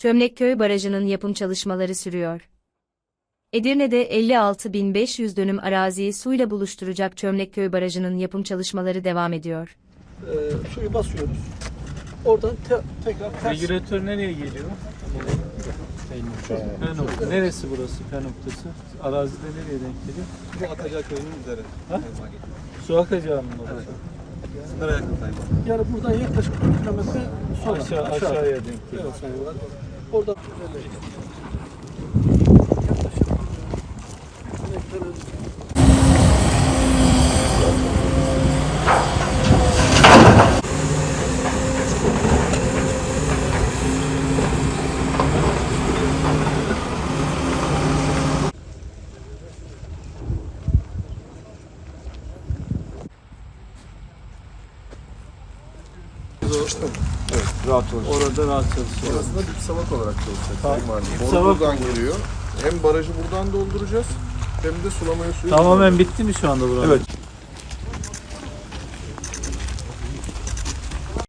Çömlekköy Barajı'nın yapım çalışmaları sürüyor. Edirne'de 56.500 dönüm araziyi suyla buluşturacak Çömlekköy Barajı'nın yapım çalışmaları devam ediyor. Suyu basıyoruz. Oradan tekrar ters. Regülatör nereye geliyor? Neresi burası P noktası? Arazide nereye denk geliyor? Bu Atacağı köyünün üzeri. Ha? Su akacağının orası. Evet. Sınıra yakın sayma. Yani buradan yaklaşık 1 kilometre sonra Aşağıya denk geliyor. Evet, sayıyorlar. Oradan Evet, rahat olacak. Orada rahat çalışıyor. Orası da dip savak olarak çalışacak. Sayın Valim. Dip Boru savak buradan geliyor. Hem barajı buradan dolduracağız hem de sulamaya suyu. Tamamen bitti mi şu anda burası? Evet.